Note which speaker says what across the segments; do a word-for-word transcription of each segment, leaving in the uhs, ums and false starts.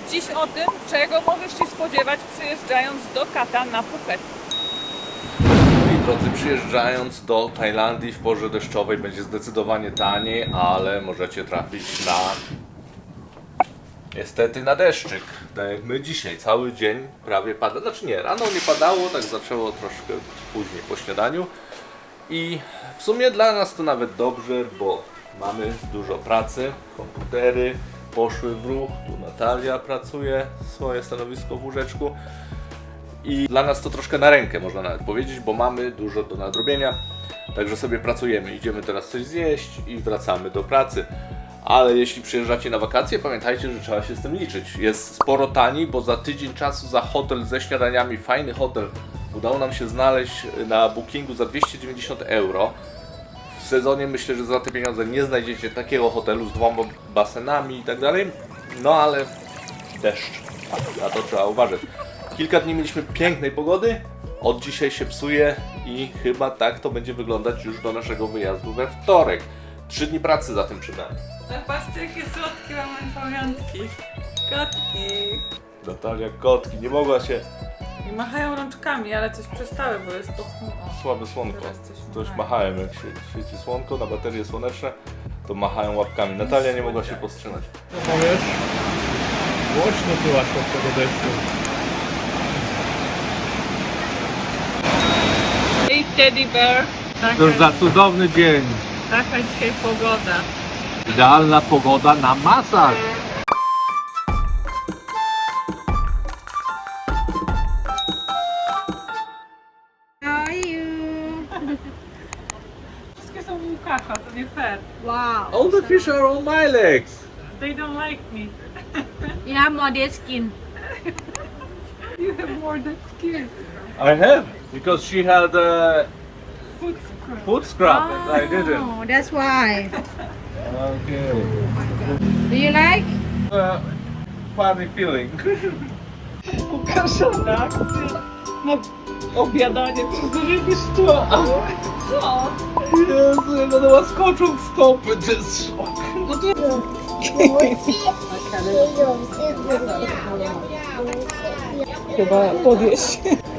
Speaker 1: Dziś o tym, czego możesz się spodziewać przyjeżdżając do Kata na Phuket.
Speaker 2: Moi drodzy, przyjeżdżając do Tajlandii w porze deszczowej będzie zdecydowanie taniej, ale możecie trafić na... niestety na deszczyk. Tak jak my dzisiaj, cały dzień prawie pada. Znaczy nie, rano nie padało, tak zaczęło troszkę później po śniadaniu. I w sumie dla nas to nawet dobrze, bo mamy dużo pracy, komputery poszły w ruch, tu Natalia pracuje, swoje stanowisko w łóżeczku. I dla nas to troszkę na rękę, można nawet powiedzieć, bo mamy dużo do nadrobienia. Także sobie pracujemy, idziemy teraz coś zjeść i wracamy do pracy. Ale jeśli przyjeżdżacie na wakacje, pamiętajcie, że trzeba się z tym liczyć. Jest sporo taniej, bo za tydzień czasu za hotel ze śniadaniami, fajny hotel, udało nam się znaleźć na bookingu za dwieście dziewięćdziesiąt euro. W sezonie myślę, że za te pieniądze nie znajdziecie takiego hotelu z dwoma basenami i tak dalej. No ale deszcz, na to trzeba uważać. Kilka dni mieliśmy pięknej pogody, od dzisiaj się psuje i chyba tak to będzie wyglądać już do naszego wyjazdu we wtorek. Trzy dni pracy za tym przed nami.
Speaker 1: Zobaczcie, jakie słodkie mamy pamiątki. Kotki.
Speaker 2: Natalia, kotki, nie mogła się...
Speaker 1: I machają rączkami, ale coś przestały, bo jest pochmurno.
Speaker 2: Słabe słonko.
Speaker 1: Teraz coś
Speaker 2: Coś
Speaker 1: machają.
Speaker 2: machałem, jak się świeci słonko na baterie słoneczne, to machają łapkami. Natalia nie mogła się powstrzymać.
Speaker 3: Co powiesz? Głośno byłaś od tego deszczu.
Speaker 1: Hej Teddy Bear.
Speaker 3: Cóż za cudowny dzień.
Speaker 1: Taka dzisiaj pogoda.
Speaker 3: Idealna pogoda na masaż.
Speaker 4: How are you?
Speaker 1: Wszystkie są u Łukasza, to nie fair.
Speaker 4: Wow.
Speaker 2: All the fish are on my legs!
Speaker 1: They don't like me.
Speaker 4: You have more dead skin.
Speaker 1: You have more than skin.
Speaker 2: I have, because she had a
Speaker 1: Food scrub.
Speaker 2: foot scrub and I didn't.
Speaker 4: Oh, that's why.
Speaker 2: Okay.
Speaker 4: Do you like?
Speaker 2: Uh, funny feeling.
Speaker 1: Łukasza reakcja na obiadanie przez rybistwo. Co?
Speaker 2: Jezu, jak ona ma skoczą w stopy, to jest szok.
Speaker 1: Chyba podjeść.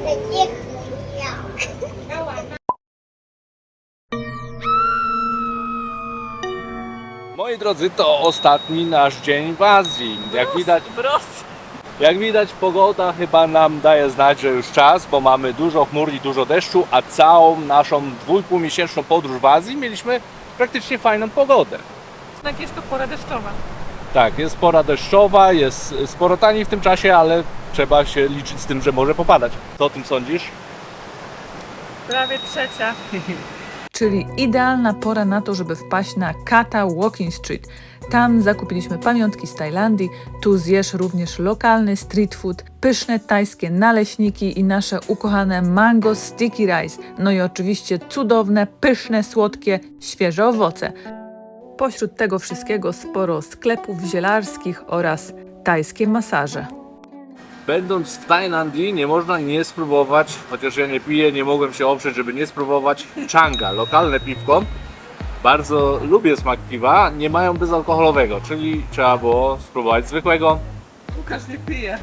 Speaker 2: Moi drodzy, to ostatni nasz dzień w Azji. Jak widać,
Speaker 1: W Rosji.
Speaker 2: jak widać, pogoda chyba nam daje znać, że już czas, bo mamy dużo chmur i dużo deszczu, a całą naszą dwójpółmiesięczną podróż w Azji mieliśmy praktycznie fajną pogodę.
Speaker 1: Jednak jest to pora deszczowa.
Speaker 2: Tak, jest pora deszczowa, jest sporo taniej w tym czasie, ale trzeba się liczyć z tym, że może popadać. Co o tym sądzisz?
Speaker 1: Prawie trzecia.
Speaker 5: Czyli idealna pora na to, żeby wpaść na Kata Walking Street. Tam zakupiliśmy pamiątki z Tajlandii, tu zjesz również lokalny street food, pyszne tajskie naleśniki i nasze ukochane mango sticky rice, no i oczywiście cudowne, pyszne, słodkie, świeże owoce. Pośród tego wszystkiego sporo sklepów zielarskich oraz tajskie masaże.
Speaker 2: Będąc w Tajlandii nie można nie spróbować, chociaż ja nie piję, nie mogłem się oprzeć, żeby nie spróbować Changa, lokalne piwko. Bardzo lubię smak piwa, nie mają bezalkoholowego, czyli trzeba było spróbować zwykłego
Speaker 1: Łukasz nie pije.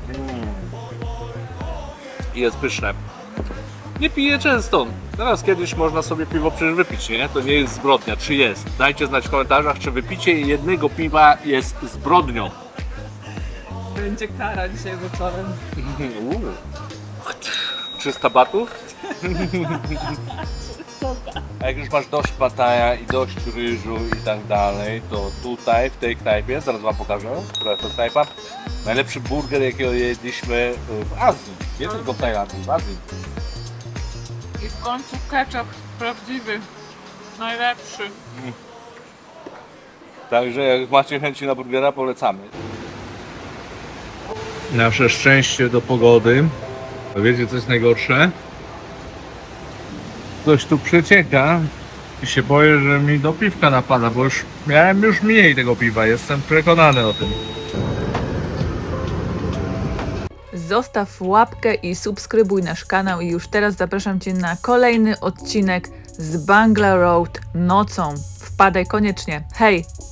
Speaker 2: i jest pyszne. Nie piję często, teraz kiedyś można sobie piwo przecież wypić, nie? To nie jest zbrodnia, czy jest? Dajcie znać w komentarzach, czy wypicie jednego piwa jest zbrodnią.
Speaker 1: Będzie kara dzisiaj wieczorem.
Speaker 2: Uuu. trzysta batów? A jak już masz dość pataja i dość ryżu i tak dalej, to tutaj w tej knajpie, zaraz wam pokażę, która to knajpa, najlepszy burger jakiego jedliśmy w Azji, nie tylko w Tajlandii, w Azji.
Speaker 1: I w końcu ketchup prawdziwy. Najlepszy.
Speaker 2: Także jak macie chęci na burgera, polecamy.
Speaker 3: Nasze szczęście do pogody. A wiecie co jest najgorsze? Coś tu przecieka i się boję, że mi do piwka napada, bo już miałem już mniej tego piwa, jestem przekonany o tym.
Speaker 5: Zostaw łapkę i subskrybuj nasz kanał i już teraz zapraszam Cię na kolejny odcinek z Bangla Road nocą. Wpadaj koniecznie. Hej!